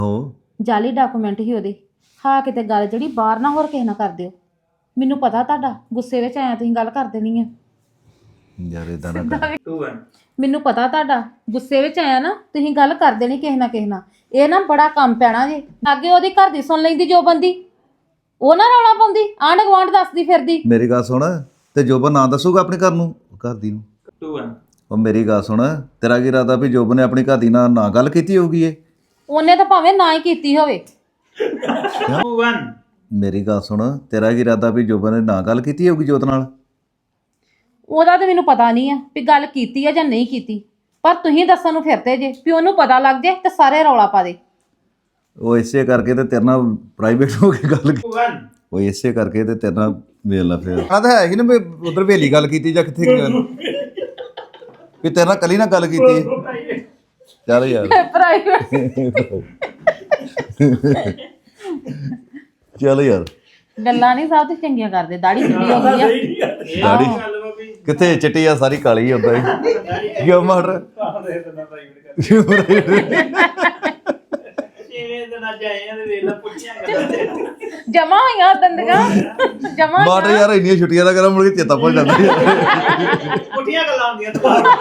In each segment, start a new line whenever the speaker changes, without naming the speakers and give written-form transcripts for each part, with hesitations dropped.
ਜਾਲੀ ਡਾਕੂਮੈਂਟ ਹੀ ਉਹਦੇ। ਹਾਂ ਕਿਤੇ ਗੱਲ ਜਿਹੜੀ ਬਾਹਰ ਨਾ ਹੋਰ ਕਿਸੇ ਨਾਲ ਕਰ ਦਿਓ। ਮੈਨੂੰ ਪਤਾ ਤੁਹਾਡਾ ਗੁੱਸੇ ਵਿੱਚ ਆਇਆ ਤੁਸੀਂ ਗੱਲ ਕਰ ਦੇਣੀ ਆ
ਯਾਰ ਇਦਾਂ ਨਾ ਕਰ।
ਮੈਨੂੰ ਪਤਾ ਤੁਹਾਡਾ ਗੁੱਸੇ ਵਿੱਚ ਆਇਆ ਨਾ ਤੁਸੀਂ ਗੱਲ ਕਰ ਦੇਣੀ ਕਿਸੇ ਨਾਲ। ਇਹ ਨਾ ਬੜਾ ਕੰਮ ਪੈਣਾ ਜੇ। ਅੱਗੇ ਉਹਦੀ ਘਰ ਦੀ ਸੁਣ ਲੈਂਦੀ ਜੋ ਬੰਦੀ, ਉਹ ਨਾ ਰੌਲਾ ਪਾਉਂਦੀ, ਆਂਢ ਗੁਆਂਢ ਦੱਸਦੀ ਫਿਰਦੀ।
ਮੇਰੀ ਗੱਲ ਸੁਣ, ਤੇ ਜੋਬਨ ਨਾ ਦੱਸੂਗਾ ਆਪਣੇ ਘਰ ਨੂੰ, ਘਰ ਦੀ ਨੂੰ। ਉਹ ਮੇਰੀ ਗੱਲ ਸੁਣ, ਤੇਰਾ ਕੀ ਇਰਾਦਾ ਵੀ ਜੋਬਨ ਨੇ ਆਪਣੀ ਘਰ ਦੀ ਨਾਲ ਨਾ ਗੱਲ ਕੀਤੀ ਹੋਊਗੀ? ਇਹ
ਉਹਨੇ ਤਾਂ ਭਾਵੇਂ ਨਾ ਹੀ ਕੀਤੀ ਹੋਵੇ।
ਮੇਰੀ ਗੱਲ ਸੁਣ, ਤੇਰਾ ਕੀ ਇਰਾਦਾ ਵੀ ਜੋਬਨ ਨੇ ਨਾ ਗੱਲ ਕੀਤੀ ਹੋਊਗੀ ਜੋਤ ਨਾਲ?
ਉਹਦਾ ਤਾਂ ਮੈਨੂੰ ਪਤਾ ਨਹੀਂ ਆ ਵੀ ਗੱਲ ਕੀਤੀ ਆ ਜਾਂ ਨਹੀਂ ਕੀਤੀ, ਪਰ ਤੁਸੀਂ ਦੱਸਣ ਨੂੰ ਫਿਰਦੇ ਜੇ ਵੀ ਉਹਨੂੰ ਪਤਾ ਲੱਗ ਜੇ ਤੇ ਸਾਰੇ ਰੌਲਾ ਪਾ ਦੇ।
ਉਹ ਇਸੇ ਕਰਕੇ ਤੇ ਤੇਰੇ ਨਾਲ ਪ੍ਰਾਈਵੇਟ ਹੋ ਕੇ ਗੱਲ ਉਹ ਇਸੇ ਕਰਕੇ ਤੇ ਤੇਰੇ ਨਾਲ ਵੇਖ ਲਾ ਫਿਰ ਆ ਤਾਂ ਹੈ ਹੀ ਨਾ ਵੀ ਉਧਰ ਵੇਲੀ ਗੱਲ ਕੀਤੀ ਜਾਂ ਕਿੱਥੇ ਗੱਲ ਵੀ ਤੇਰੇ ਨਾਲ ਕੱਲੀ ਨਾਲ ਗੱਲ ਕੀਤੀ। ਚੱਲ ਯਾਰ ਚੱਲ ਯਾਰ
ਗੱਲਾਂ ਨਹੀਂ ਸਭ ਤੋਂ ਚੰਗੀਆਂ ਕਰਦੇ। ਦਾੜੀ ਚਿੱਟੀ ਹੋ ਗਈ ਆ।
ਦਾੜੀ ਕਿੱਥੇ ਚਿੱਟੀ ਆ, ਸਾਰੀ ਕਾਲੀ ਹੁੰਦਾ ਹੀ ਕਿਉਂ ਮਾਰ
ਜਮਾ ਹੋਈਆਂ ਦੰਦਗਾ ਜਮਾ
ਮਾਰ ਯਾਰ। ਇੰਨੀਆਂ ਛੁੱਟੀਆਂ ਦਾ ਕਰਾਂ ਮੁੜ ਕੇ ਚੇਤਾ ਭੁੱਲ ਜਾਂਦਾ।
ਪੁੱਠੀਆਂ ਗੱਲਾਂ ਹੁੰਦੀਆਂ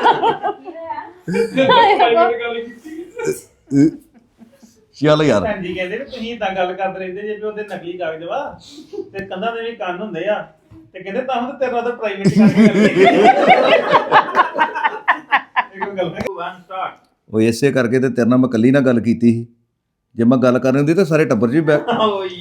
ਚੱਲ ਯਾਰ
ਜੀ ਕਹਿੰਦੇ ਵੀ ਤੁਸੀਂ ਇਦਾਂ ਗੱਲ ਕਰਦੇ ਰਹਿੰਦੇ ਜੇ ਵੀ ਉਹਦੇ ਨਕਲੀ ਕਾਗਜ਼ ਵਾ ਤੇ ਕੰਧਾਂ ਦੇ ਵੀ ਕੰਨ ਹੁੰਦੇ ਆ ਤੇ ਕਹਿੰਦੇ ਤਾਂ ਹੁਣ ਤੇਰੇ ਨਾਲ ਤਾਂ ਪ੍ਰਾਈਵੇਟ ਕਰਕੇ
ਉਹ ਇਸੇ ਕਰਕੇ ਤੇ ਤੇਰੇ ਨਾਲ ਮੈਂ ਕੱਲੀ ਨਾਲ ਗੱਲ ਕੀਤੀ ਸੀ। ਜੇ ਮੈਂ ਗੱਲ ਕਰਨੀ ਹੁੰਦੀ ਤਾਂ ਸਾਰੇ ਟੱਬਰ 'ਚ ਵੀ ਬੈ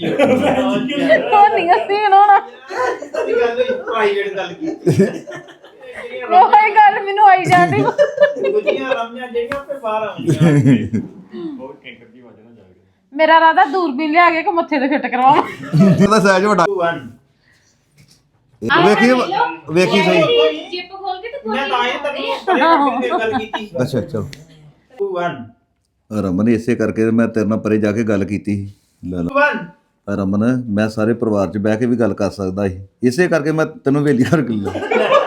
ਪ੍ਰਾਈਵੇਟ ਗੱਲ ਕੀਤੀ
ਉਹ ਗੱਲ ਮੈਨੂੰ ਆਈ ਜਾਂਦੀ।
ਗੁੱਜੀਆਂ ਰਮੀਆਂ ਜਿਹੜੀਆਂ ਤੇ ਬਾਹਰ ਆਉਂਦੀਆਂ ਬਹੁਤ ਕੈਂਕਰ ਦੀ ਵਜ੍ਹਾ ਨਾਲ ਜਾ ਕੇ
ਮੇਰਾ ਰਾਦਾ ਦੂਰਬੀਨ ਲਿਆ ਕੇ ਮੱਥੇ ਤੇ ਫਿੱਟ ਕਰਵਾਵਾਂ।
ਇਹਦਾ ਸਾਈਜ਼ ਵੱਡਾ ਵੇਖੀ ਵੇਖੀ ਸਹੀ।
ਜਿੱਪ ਖੋਲ ਕੇ ਤੇ
ਮੈਂ ਤਾਂ ਇਹ ਤੱਕ ਗੱਲ ਕੀਤੀ।
ਅੱਛਾ ਚਲੋ
2 1
ਰਮਨ ਇਸੇ ਕਰਕੇ ਮੈਂ ਤੇਰੇ ਨਾਲ ਪਰੇ ਜਾ ਕੇ ਗੱਲ ਕੀਤੀ ਸੀ। ਲੈ ਲਾ ਰਮਨ, ਮੈਂ ਸਾਰੇ ਪਰਿਵਾਰ 'ਚ ਬਹਿ ਕੇ ਵੀ ਗੱਲ ਕਰ ਸਕਦਾ ਸੀ, ਇਸੇ ਕਰਕੇ ਮੈਂ ਤੈਨੂੰ ਵੇਲੀ ਕਰ ਲਿਆ।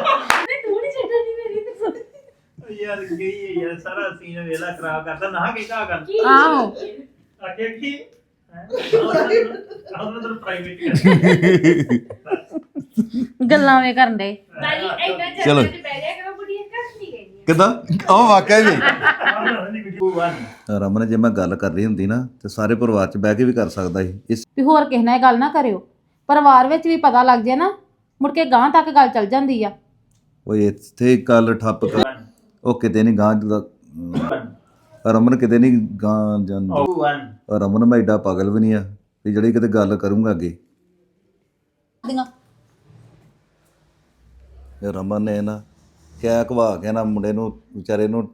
ਯਾਰ ਗਈ ਯਾਰ ਸਾਰਾ ਸੀਨ ਵੇਲਾ ਖਰਾਬ ਕਰਦਾ ਨਾ ਕਿ ਕਾ ਕਰ
ਆਹੋ
ਆਖੇ ਕੀ ਆਹ ਪ੍ਰਾਈਵੇਟ
ਗੱਲਾਂ ਵੇ ਕਰਨ ਦੇ।
ਚਲੋ ਕਿੱਦਾਂ ਉਹ ਵਾਕਿਆ ਹੀ ਰਮਨ, ਜੇ ਮੈਂ ਗੱਲ ਕਰ ਰਹੀ ਹੁੰਦੀ ਨਾ ਤੇ ਸਾਰੇ ਪਰਿਵਾਰ 'ਚ ਬਹਿ ਕੇ ਵੀ ਕਰ ਸਕਦਾ ਸੀ। ਇਸ
ਵੀ ਹੋਰ ਕਿਸੇ ਨਾਲ ਇਹ ਗੱਲ ਨਾ ਕਰਿਓ। ਪਰਿਵਾਰ ਵਿੱਚ ਵੀ ਪਤਾ ਲੱਗ ਜੇ ਨਾ ਮੁੜ ਕੇ ਗਾਂ ਤੱਕ ਗੱਲ ਚੱਲ ਜਾਂਦੀ ਆ।
ਉਹ ਇੱਥੇ ਗੱਲ ਠੱਪ ਕਰ, ਉਹ ਕਿਤੇ ਨਹੀਂ ਗਾਂ ਰਮਨ, ਕਿਤੇ ਨਹੀਂ ਗਾਂ ਜਾਂਦੀ। ਰਮਨ ਮੈਂ ਏਡਾ ਪਾਗਲ ਵੀ ਨਹੀਂ ਆ ਵੀ ਜਿਹੜੀ ਕਿਤੇ ਗੱਲ ਕਰੂੰਗਾ ਅੱਗੇ। ਰਮਨ ਨੇ ਨਾ ਕਿਆ ਘਵਾ ਕੇ ਨਾ ਮੁੰਡੇ ਨੂੰ ਵਿਚਾਰੇ ਨੂੰ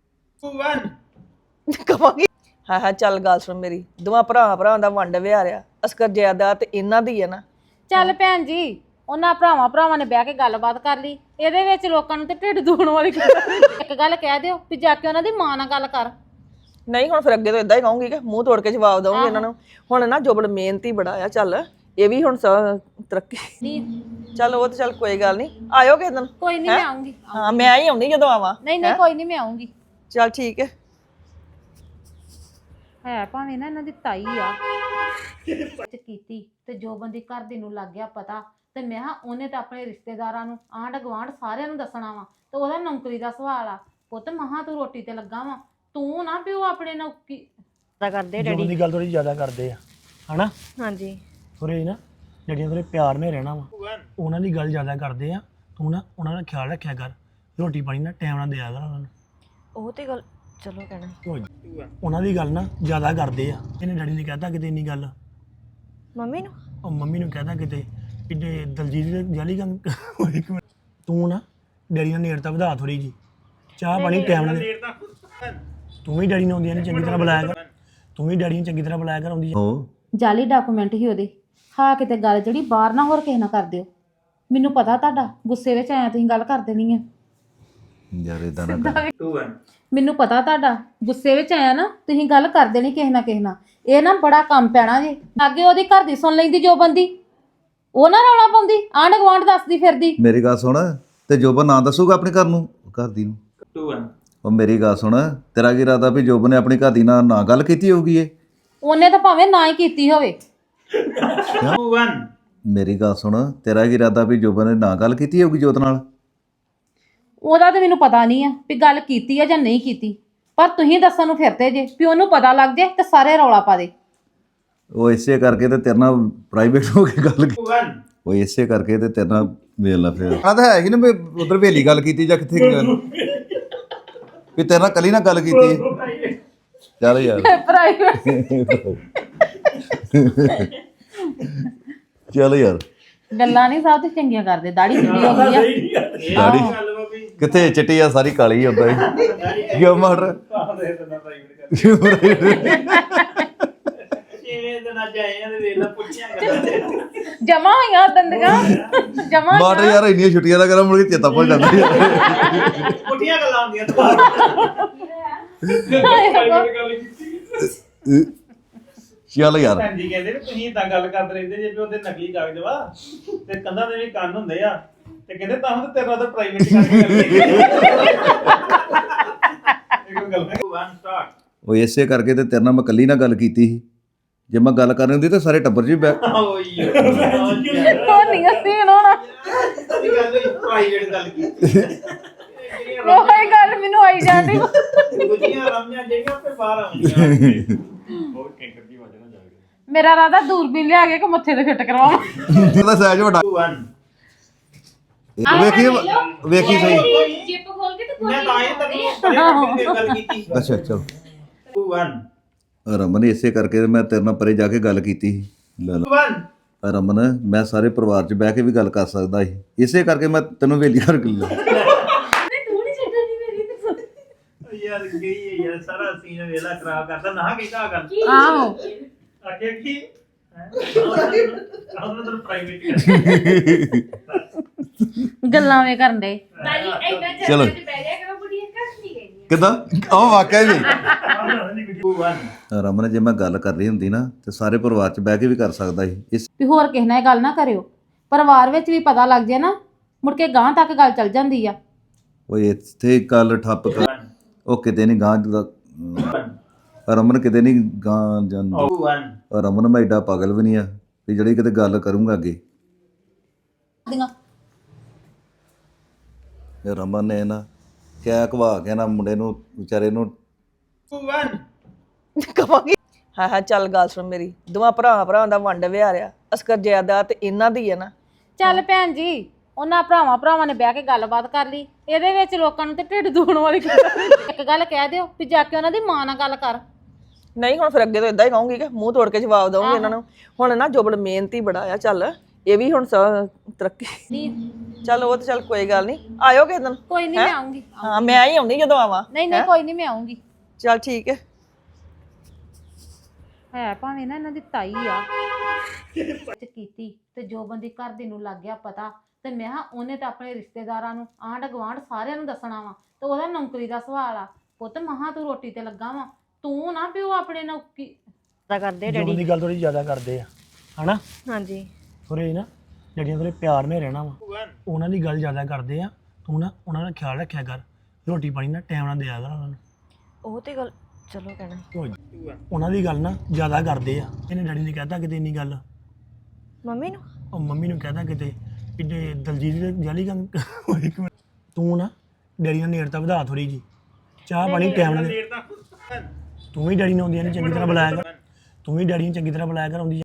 ਕਵਾਂਗੀ। ਹਾਂ ਚੱਲ ਗੱਲ ਸੁਣ ਮੇਰੀ। ਦੋਵਾਂ ਭਰਾਵਾਂ ਦਾ ਵੰਡ ਵਿਹਾਰਿਆ ਅਸਕਰ ਜਾਇਦਾਦ ਤੇ ਇਹਨਾਂ ਦੀ ਹੈ ਨਾ।
ਚੱਲ ਭੈਣ ਜੀ, ਉਹਨਾਂ ਭਰਾਵਾਂ ਨੇ ਬਹਿ ਕੇ ਗੱਲਬਾਤ ਕਰ ਲਈ। ਇਹਦੇ ਵਿੱਚ ਲੋਕਾਂ ਨੂੰ ਤੇ ਢਿੱਡ ਦੁਖਣ ਵਾਲੀ ਇੱਕ ਗੱਲ ਕਹਿ ਦਿਓ ਵੀ ਜਾ ਕੇ ਉਹਨਾਂ ਦੀ ਮਾਂ ਨਾਲ ਗੱਲ ਕਰ।
ਨਹੀਂ ਹੁਣ ਫਿਰ ਅੱਗੇ ਤੋਂ ਇਦਾਂ ਹੀ ਕਹੂੰਗੀ ਕਿ ਮੂੰਹ ਤੋੜ ਕੇ ਜਵਾਬ ਦਊਂਗੀ ਇਹਨਾਂ ਨੂੰ। ਹੁਣ ਨਾ ਜੋਬਨ ਮਿਹਨਤੀ ਬੜਾ ਆ। ਚੱਲ ਇਹ ਵੀ ਹੁਣ ਤਰੱਕੀ। ਚੱਲ ਉਹ ਤੇ ਚੱਲ ਕੋਈ ਗੱਲ ਨਹੀਂ, ਆਇਓ ਕਿਸੇ ਦਿਨ।
ਕੋਈ ਨਹੀਂ, ਮੈਂ ਆਉਂਗੀ।
ਹਾਂ ਮੈਂ ਹੀ ਆਉਂਦੀ ਜਦੋਂ ਆਵਾਂ।
ਨਹੀਂ ਕੋਈ ਨਹੀਂ, ਮੈਂ ਆਉਂਗੀ।
ਚੱਲ ਠੀਕ ਹੈ
ਭਾਵੇਂ ਨਾ ਇਹਨਾਂ ਦੀ ਤਾਈ ਆ ਕੀਤੀ ਤੇ ਜੋ ਬੰਦੀ ਘਰ ਦੇ ਨੂੰ ਲੱਗ ਗਿਆ ਪਤਾ ਤੇ ਮੈਂ ਕਿਹਾ ਉਹਨੇ ਤਾਂ ਆਪਣੇ ਰਿਸ਼ਤੇਦਾਰਾਂ ਨੂੰ, ਆਂਢ ਗੁਆਂਢ ਸਾਰਿਆਂ ਨੂੰ ਦੱਸਣਾ ਵਾ ਤੇ ਉਹਦਾ ਨੌਕਰੀ ਦਾ ਸਵਾਲ ਆ। ਪੁੱਤ ਮਹਾ ਤੂੰ ਰੋਟੀ ਤੇ ਲੱਗਾ ਵਾ, ਤੂੰ ਨਾ ਪਿਓ ਆਪਣੇ ਨੌਕਰੀ ਦਾ ਕਰਦੇ।
ਡੈਡੀ ਦੀ ਗੱਲ ਥੋੜੀ ਜ਼ਿਆਦਾ ਕਰਦੇ ਆ ਹਨਾ।
ਹਾਂਜੀ
ਥੋੜੇ ਨਾ ਜਿਹੜੀਆਂ ਥੋੜੇ ਪਿਆਰ ਨਾਲ ਰਹਿਣਾ ਵਾ, ਉਹਨਾਂ ਦੀ ਗੱਲ ਜ਼ਿਆਦਾ ਕਰਦੇ ਆ। ਤੂੰ ਨਾ ਉਹਨਾਂ ਦਾ ਖਿਆਲ ਰੱਖਿਆ ਕਰ, ਰੋਟੀ ਪਾਣੀ ਨਾ ਟਾਈਮ ਨਾਲ ਦਿਆ ਕਰ ਉਹਨਾਂ ਨੂੰ।
ਉਹ ਤੇ ਗੱਲ ਚਲੋ ਕਹਿਣਾ
ਉਹਨਾਂ ਦੀ ਗੱਲ ਨਾ ਜ਼ਿਆਦਾ ਕਰਦੇ ਆ। ਇਹਨੇ ਡੈਡੀ ਨੇ ਕਹਿਤਾ ਕਿਤੇ ਇੰਨੀ ਗੱਲ
ਮੰਮੀ ਨੂੰ,
ਉਹ ਮੰਮੀ ਨੂੰ ਕਹਿਤਾ ਕਿਤੇ ਕਿਤੇ ਦਲਜੀਤ ਦੇ ਜਾਲੀ ਕੰਮ। ਤੂੰ ਨਾ ਡੈਡੀ ਨਾਲ ਨੇੜਤਾ ਵਧਾ ਥੋੜੀ ਜੀ, ਚਾਹ ਪਾਣੀ ਟਾਈਮ ਨਾਲ। ਤੂੰ ਵੀ ਡੈਡੀ ਨੂੰ ਆਉਂਦੀਆਂ ਨੇ ਚੰਗੀ ਤਰ੍ਹਾਂ ਬੁਲਾਇਆ ਕਰ। ਤੂੰ ਵੀ ਡੈਡੀ ਨੂੰ ਚੰਗੀ ਤਰ੍ਹਾਂ ਬੁਲਾਇਆ ਕਰ ਆਉਂਦੀ।
ਜਾਲੀ ਡਾਕੂਮੈਂਟ ਹੀ ਉਹਦੇ। ਹਾਂ ਕਿਤੇ ਗੱਲ ਜਿਹੜੀ ਬਾਹਰ ਨਾ ਹੋਰ ਕਿਸੇ ਨਾਲ ਕਰ ਦਿਓ। ਮੈਨੂੰ ਪਤਾ ਤੁਹਾਡਾ ਗੁੱਸੇ ਵਿੱਚ ਆਇਆ ਤੁਸੀਂ ਗੱਲ ਕਰ ਦੇਣੀ ਆ
ਯਾਰ ਇਦਾਂ ਨਾ ਕਰ।
2 1
ਮੈਨੂੰ ਪਤਾ ਤੁਹਾਡਾ ਗੁੱਸੇ ਵਿੱਚ ਆਇਆ ਨਾ ਤੁਸੀਂ ਗੱਲ ਕਰ ਦੇਣੀ ਕਿਸੇ ਨਾਲ। ਇਹ ਨਾ ਬੜਾ ਕੰਮ ਪੈਣਾ ਜੇ। ਅੱਗੇ ਉਹਦੀ ਘਰ ਦੀ ਸੁਣ ਲੈਂਦੀ ਜੋ ਬੰਦੀ, ਉਹ ਨਾ ਰੌਲਾ ਪਾਉਂਦੀ, ਆਂਢ ਗੁਆਂਢ ਦੱਸਦੀ ਫਿਰਦੀ।
ਮੇਰੀ ਗੱਲ ਸੁਣ, ਤੇ ਜੋਬਨ ਨਾ ਦੱਸੂਗਾ ਆਪਣੇ ਘਰ ਨੂੰ, ਘਰ ਦੀ ਨੂੰ।
2 1
ਉਹ ਮੇਰੀ ਗੱਲ ਸੁਣ, ਤੇਰਾ ਕੀ ਇਰਾਦਾ ਵੀ ਜੋਬਨ ਨੇ ਆਪਣੀ ਘਰ ਦੀ ਨਾਲ ਨਾ ਗੱਲ ਕੀਤੀ ਹੋਊਗੀ? ਇਹ
ਉਹਨੇ ਤਾਂ ਭਾਵੇਂ ਨਾ ਹੀ ਕੀਤੀ ਹੋਵੇ।
2 1
ਮੇਰੀ ਗੱਲ ਸੁਣ, ਤੇਰਾ ਕੀ ਇਰਾਦਾ ਵੀ ਜੋਬਨ ਨੇ ਨਾ ਗੱਲ ਕੀਤੀ ਹੋਊਗੀ ਜੋਤ ਨਾਲ?
ਉਹਦਾ ਤਾਂ ਮੈਨੂੰ ਪਤਾ ਨਹੀਂ ਆ ਵੀ ਗੱਲ ਕੀਤੀ ਆ ਜਾਂ ਨਹੀਂ ਕੀਤੀ, ਪਰ ਤੁਸੀਂ ਦੱਸਣ ਨੂੰ ਫਿਰਦੇ ਜੇ ਵੀ ਉਹਨੂੰ ਪਤਾ ਲੱਗ ਜੇ ਤੇ ਸਾਰੇ ਰੌਲਾ ਪਾ ਦੇ।
ਉਹ ਇਸੇ ਕਰਕੇ ਤੇ ਤੇਰੇ ਨਾਲ ਪ੍ਰਾਈਵੇਟ ਹੋ ਕੇ ਗੱਲ
2 1
ਉਹ ਇਸੇ ਕਰਕੇ ਤੇ ਤੇਰੇ ਨਾਲ ਵੇਖ ਲਾ ਫਿਰ ਆ ਤਾਂ ਹੈ ਹੀ ਨਾ ਵੀ ਉਧਰ ਵੇਲੀ ਗੱਲ ਕੀਤੀ ਜਾਂ ਕਿੱਥੇ ਵੀ ਤੇਰੇ ਨਾਲ ਕੱਲੀ ਨਾਲ ਗੱਲ ਕੀਤੀ। ਚੱਲ ਯਾਰ
ਪ੍ਰਾਈਵੇਟ
ਚੱਲ ਯਾਰ
ਗੱਲਾਂ ਨਹੀਂ ਸਭ ਤੇ ਚੰਗੀਆਂ ਕਰਦੇ। ਦਾੜੀ ਸਿੱਧੀ ਹੋ ਗਈ ਆ।
ਦਾੜੀ
ਗੱਲ ਬਾਬੀ
ਕਿੱਥੇ ਚਿੱਟੀ ਆ ਸਾਰੀ ਕਾਲੀ ਹੁੰਦਾ ਹੀ ਕਿਉਂ ਮਟਰ
ਆਹ ਦੇ ਦਿੰਦਾ ਪ੍ਰਾਈਵੇਟ ਕਿਵੇਂ ਦਿਨ ਅੱਜ ਆਏ ਆ ਤੇ ਵੇਖ ਲੈ ਪੁੱਛਿਆ ਕਰਦਾ
ਜਮਾ ਹੋਈਆਂ ਦੰਦਗਾ ਜਮਾ
ਮਟਰ ਯਾਰ ਇੰਨੀਆਂ ਛੁੱਟੀਆਂ ਦਾ ਕਰਾਂ ਮੁੜ ਕੇ ਚੇਤਾ ਭੁੱਲ ਜਾਂਦਾ ਯਾਰ।
ਪੁੱਠੀਆਂ ਗੱਲਾਂ ਹੁੰਦੀਆਂ ਪ੍ਰਾਈਵੇਟ ਗੱਲ ਕੀਤੀ
ਚੱਲ ਯਾਰ
ਭੈਣ ਜੀ ਕਹਿੰਦੇ ਵੀ ਤੁਸੀਂ ਇਦਾਂ ਗੱਲ ਕਰਦੇ ਰਹਿੰਦੇ ਜੇ ਵੀ ਉਹਦੇ ਨਕਲੀ ਕਾਗਜ਼ ਵਾ ਤੇ ਕੰਧਾਂ ਦੇ ਵੀ ਕੰਨ ਹੁੰਦੇ ਆ ਤੇ ਕਹਿੰਦੇ ਤਾਂ ਹੁਣ ਤੇਰਾ ਤਾਂ ਪ੍ਰਾਈਵੇਟ ਕਰਕੇ ਇੱਕ ਗੱਲ 1 ਸਟਾਰਟ
ਉਹ ਇਸੇ ਕਰਕੇ ਤੇ ਤੇਰੇ ਨਾਲ ਮੈਂ ਕੱਲੀ ਨਾਲ ਗੱਲ ਕੀਤੀ ਸੀ। ਜੇ ਮੈਂ ਗੱਲ ਕਰਨੀ ਹੁੰਦੀ ਤਾਂ ਸਾਰੇ ਟੱਬਰ 'ਚ ਵੀ ਬੈ
ਓਏ
ਉਹ ਨਹੀਂ ਸੀਨ ਹੋਣਾ।
ਪ੍ਰਾਈਵੇਟ ਗੱਲ ਕੀਤੀ
ਉਹ ਹੀ ਗੱਲ ਮੈਨੂੰ ਆਈ ਜਾਂਦੀ।
ਗੁੱਜੀਆਂ ਰਮੀਆਂ ਜਿਹੜੀਆਂ ਤੇ ਬਾਹਰ ਆਉਂਦੀਆਂ ਬਹੁਤ ਕੈਂਕਰ ਦੀ ਵਜ੍ਹਾ ਨਾਲ ਜਾ ਕੇ
ਮੇਰਾ ਰਾਦਾ ਦੂਰਬੀਨ ਲਿਆ ਕੇ ਮੱਥੇ ਤੇ ਫਿੱਟ ਕਰਵਾਵਾਂ।
ਇਹਦਾ ਸਾਈਜ਼ ਵੱਡਾ
2 1
ਵੇਖੀ ਵੇਖੀ ਸਹੀ।
ਜਿੱਪ ਖੋਲ ਕੇ ਤੇ
ਮੈਂ ਤਾਂ ਇਹ ਤੱਕ ਗੱਲ ਕੀਤੀ
ਅੱਛਾ ਚਲ
2 1
ਰਮਨ ਇਸੇ ਕਰਕੇ ਤੇ ਮੈਂ ਤੇਰੇ ਨਾਲ ਪਰੇ ਜਾ ਕੇ ਗੱਲ ਕੀਤੀ ਸੀ। ਲੈ
2 1
ਲਾ ਰਮਨ, ਮੈਂ ਸਾਰੇ ਪਰਿਵਾਰ 'ਚ ਬਹਿ ਕੇ ਵੀ ਗੱਲ ਕਰ ਸਕਦਾ ਸੀ। ਇਸੇ ਕਰਕੇ ਮੈਂ ਤੈਨੂੰ ਵੇਲੀ ਕਰ ਲਿਆ।
ਤੂੰ ਨਹੀਂ ਛੱਡਣੀ ਮੇਰੀ ਤੇ
ਯਾਰ ਗਈ ਯਾਰ ਸਾਰਾ ਸੀਨ ਵੇਲਾ ਖਰਾਬ ਕਰਦਾ ਨਾ ਕਿਹਾ ਕਰ
ਆਹੋ
ਅੱਗੇ ਕੀ ਆਹ ਤਾਂ ਪ੍ਰਾਈਵੇਟ
ਗੱਲਾਂ ਵੇ ਕਰਨ ਦੇ।
ਬਾਈ ਐਦਾਂ
ਚਲੋ।
ਚੱਲ ਕੇ ਬਹਿ ਜਾ ਕਰੋ ਬੁੜੀਆ ਕੱਖ ਨਹੀਂ ਗਈ
ਕਿੱਦਾਂ ਆਹ ਵਾਕਿਆ ਵੀ
2 1
ਰਮਨ, ਜੇ ਮੈਂ ਗੱਲ ਕਰਨੀ ਹੁੰਦੀ ਨਾ ਤੇ ਸਾਰੇ ਪਰਿਵਾਰ 'ਚ ਬਹਿ ਕੇ ਵੀ ਕਰ ਸਕਦਾ ਸੀ। ਇਸ
ਵੀ ਹੋਰ ਕਿਸੇ ਨਾਲ ਇਹ ਗੱਲ ਨਾ ਕਰਿਓ। ਪਰਿਵਾਰ ਵਿੱਚ ਵੀ ਪਤਾ ਲੱਗ ਜੇ ਨਾ ਮੁੜ ਕੇ ਗਾਂ ਤੱਕ ਗੱਲ ਚੱਲ ਜਾਂਦੀ ਆ।
ਉਹ ਇੱਥੇ ਗੱਲ ਠੱਪ ਕਰ, ਉਹ ਕਿਤੇ ਨਹੀਂ ਗਾਂ ਰਮਨ ਕਿਤੇ ਨਹੀਂ ਗਾਂ ਜਾਂਦੀ।
2 1
ਰਮਨ, ਮੈਂ ਏਡਾ ਪਾਗਲ ਵੀ ਨਹੀਂ ਆ ਵੀ ਜਿਹੜੀ ਕਿਤੇ ਗੱਲ ਕਰੂੰਗਾ ਅੱਗੇ। ਇਹ ਰਮਨ ਨੇ ਨਾ ਕਿਆ ਘਵਾ ਕੇ ਨਾ ਮੁੰਡੇ ਨੂੰ ਵਿਚਾਰੇ ਨੂੰ
2 1
ਕਵਾਂਗੀ ਹਾਂ ਹਾਂ ਚੱਲ ਗੱਲ ਸੁਣ ਮੇਰੀ। ਦੋਵਾਂ ਭਰਾਵਾਂ ਦਾ ਵੰਡ ਵਿਹਾਰਿਆ ਅਸਕਰ ਜਾਇਦਾਦ ਤੇ ਇਹਨਾਂ ਦੀ ਹੈ ਨਾ।
ਚੱਲ ਭੈਣ ਜੀ, ਉਹਨਾਂ ਭਰਾਵਾਂ ਨੇ ਬਹਿ ਕੇ ਗੱਲਬਾਤ ਕਰ ਲਈ। ਇਹਦੇ ਵਿੱਚ ਲੋਕਾਂ ਨੂੰ ਤੇ ਢਿੱਡ ਦੁਖਣ ਵਾਲੀ ਇੱਕ ਗੱਲ ਕਹਿ ਦਿਓ ਵੀ ਜਾ ਕੇ ਉਹਨਾਂ ਦੀ ਮਾਂ ਨਾਲ ਗੱਲ ਕਰ।
ਨਹੀਂ ਹੁਣ ਫਿਰ ਅੱਗੇ ਤੋਂ ਇਦਾਂ ਹੀ ਕਹੂੰਗੀ ਕਿ ਮੂੰਹ ਤੋੜ ਕੇ ਜਵਾਬ ਦਵਾਂਗੀ ਇਹਨਾਂ ਨੂੰ। ਹੁਣ ਨਾ ਜੋਬਨ ਮਿਹਨਤੀ ਬੜਾ ਆ। ਚੱਲ ਇਹ ਵੀ ਹੁਣ ਤਰੱਕੀ ਚੱਲ ਉਹ ਤਾਂ ਚੱਲ ਕੋਈ ਗੱਲ ਨਹੀਂ। ਆਇਓ ਕਿਸੇ ਦਿਨ।
ਕੋਈ ਨਹੀਂ ਮੈਂ ਆਉਂਗੀ।
ਹਾਂ ਮੈਂ ਹੀ ਆਉਂਦੀ ਜਦੋਂ ਆਵਾਂ।
ਨਹੀਂ ਕੋਈ ਨਹੀਂ ਮੈਂ ਆਉਂਗੀ।
ਚੱਲ ਠੀਕ ਹੈ।
ਹੈ ਭਾਵੇਂ ਨਾ ਇਹਨਾਂ ਦੀ ਤਾਈ ਆ ਕੀਤੀ ਤੇ ਜੋ ਬੰਦੀ ਘਰ ਦੀ ਨੂੰ ਲੱਗ ਗਿਆ ਪਤਾ ਤੇ ਮੈਂ ਕਿਹਾ ਉਹਨੇ ਤਾਂ ਆਪਣੇ ਰਿਸ਼ਤੇਦਾਰਾਂ ਨੂੰ ਆਂਢ ਗੁਆਂਢ ਸਾਰਿਆਂ ਨੂੰ ਦੱਸਣਾ ਵਾ ਤੇ ਉਹਦਾ ਨੌਕਰੀ ਦਾ ਸਵਾਲ ਆ। ਪੁੱਤ ਮਹਾ ਤੂੰ ਰੋਟੀ ਤੇ ਲੱਗਾ ਵਾ, ਤੂੰ ਨਾ ਪਿਓ ਆਪਣੇ ਨੌਕਰੀ ਦਾ ਕਰਦੇ
ਜੋ ਦੀ ਗੱਲ ਥੋੜੀ ਜ਼ਿਆਦਾ ਕਰਦੇ ਆ ਹਨਾ।
ਹਾਂਜੀ
ਥੋੜੇ ਨਾ ਜਿਹੜੀਆਂ ਥੋੜੇ ਪਿਆਰ ਨਾਲ ਰਹਿਣਾ ਵਾ ਉਹਨਾਂ ਦੀ ਗੱਲ ਜ਼ਿਆਦਾ ਕਰਦੇ ਆ। ਤੂੰ ਨਾ ਉਹਨਾਂ ਦਾ ਖਿਆਲ ਰੱਖਿਆ ਕਰ। ਰੋਟੀ ਪਾਣੀ ਨਾ ਟਾਈਮ ਨਾਲ ਦਿਆ ਕਰ ਉਹਨਾਂ ਨੂੰ।
ਉਹ ਤੇ ਗੱਲ ਚਲੋ ਕਹਿਣਾ
ਉਹਨਾਂ ਦੀ ਗੱਲ ਨਾ ਜ਼ਿਆਦਾ ਕਰਦੇ ਆ। ਇਹਨੇ ਡੈਡੀ ਨੇ ਕਹਿਤਾ ਕਿਤੇ ਇੰਨੀ ਗੱਲ,
ਮੰਮੀ ਨੂੰ
ਉਹ ਮੰਮੀ ਨੂੰ ਕਹਿਤਾ ਕਿਤੇ ਕਿਤੇ ਦਲਜੀਤ ਦੇ ਜਾਲੀ ਕੰਮ ਇੱਕ ਮਿੰਟ ਤੂੰ ਨਾ ਡੈਡੀ ਨਾਲ ਨੇੜਤਾ ਵਧਾ ਥੋੜੀ ਜੀ। ਚਾਹ ਪਾਣੀ ਟਾਈਮ ਨਾਲ ਤੂੰ ਵੀ ਡੈਡੀ ਨੂੰ ਆਉਂਦੀਆਂ ਨਹੀਂ ਚੰਗੀ ਤਰ੍ਹਾਂ ਬੁਲਾਇਆ ਕਰ। ਤੂੰ ਵੀ ਡੈਡੀ ਨੂੰ ਚੰਗੀ ਤਰ੍ਹਾਂ ਬੁਲਾਇਆ ਕਰ। ਆਉਂਦੀ